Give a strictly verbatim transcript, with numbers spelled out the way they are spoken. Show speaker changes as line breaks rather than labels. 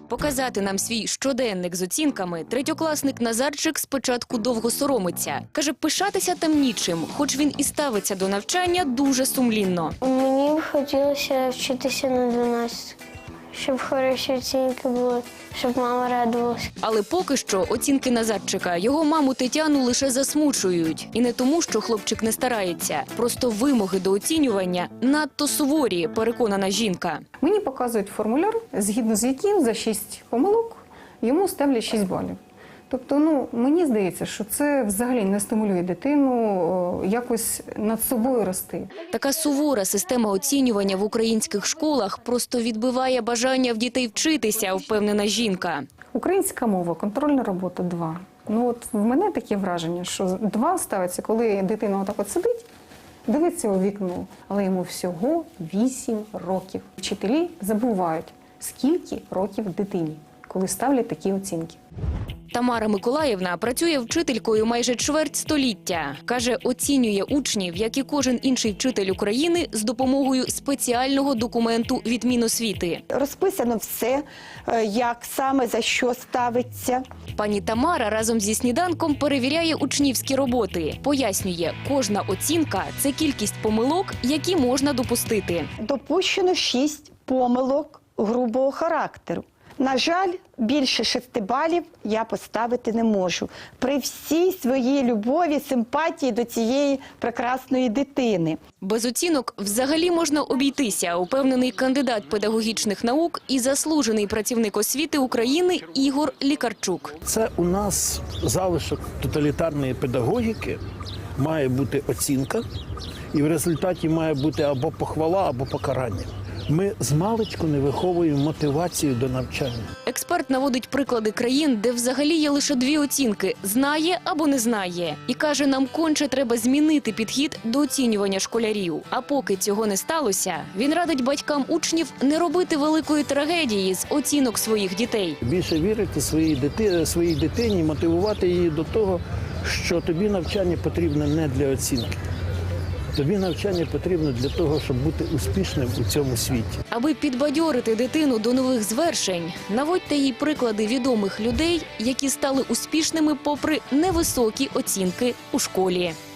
Показати нам свій щоденник з оцінками третьокласник Назарчик спочатку довго соромиться. Каже, пишатися там нічим, хоч він і ставиться до навчання дуже сумлінно.
Мені б хотілося вчитися на дванадцять, щоб хороші оцінки були, щоб мама радувалася.
Але поки що оцінки Назарчика його маму Тетяну лише засмучують. І не тому, що хлопчик не старається. Просто вимоги до оцінювання надто суворі, переконана жінка.
Мені показують формуляр, згідно з яким за шість помилок йому ставлять шість балів. Тобто, ну, мені здається, що це взагалі не стимулює дитину о, якось над собою рости.
Така сувора система оцінювання в українських школах просто відбиває бажання в дітей вчитися, впевнена жінка.
Українська мова, контрольна робота – два. Ну, от в мене таке враження, що два ставиться, коли дитина отак от сидить, дивиться у вікно, але йому всього вісім років. Вчителі забувають, скільки років дитині, коли ставлять такі оцінки.
Тамара Миколаївна працює вчителькою майже чверть століття. Каже, оцінює учнів, як і кожен інший вчитель України, з допомогою спеціального документу від Міносвіти.
Розписано все, як саме, за що ставиться.
Пані Тамара разом зі сніданком перевіряє учнівські роботи. Пояснює, кожна оцінка – це кількість помилок, які можна допустити.
Допущено шість помилок грубого характеру. На жаль, більше шести балів я поставити не можу. При всій своїй любові, симпатії до цієї прекрасної дитини.
Без оцінок взагалі можна обійтися, упевнений кандидат педагогічних наук і заслужений працівник освіти України Ігор Лікарчук.
Це у нас залишок тоталітарної педагогіки, має бути оцінка, і в результаті має бути або похвала, або покарання. Ми змалечку не виховуємо мотивацію до навчання.
Експерт наводить приклади країн, де взагалі є лише дві оцінки – знає або не знає. І каже, нам конче треба змінити підхід до оцінювання школярів. А поки цього не сталося, він радить батькам учнів не робити великої трагедії з оцінок своїх дітей.
Більше вірити своїй дитині, своїй дитині, мотивувати її до того, що тобі навчання потрібно не для оцінки. Тобі навчання потрібно для того, щоб бути успішним у цьому світі.
Аби підбадьорити дитину до нових звершень, наводьте їй приклади відомих людей, які стали успішними попри невисокі оцінки у школі.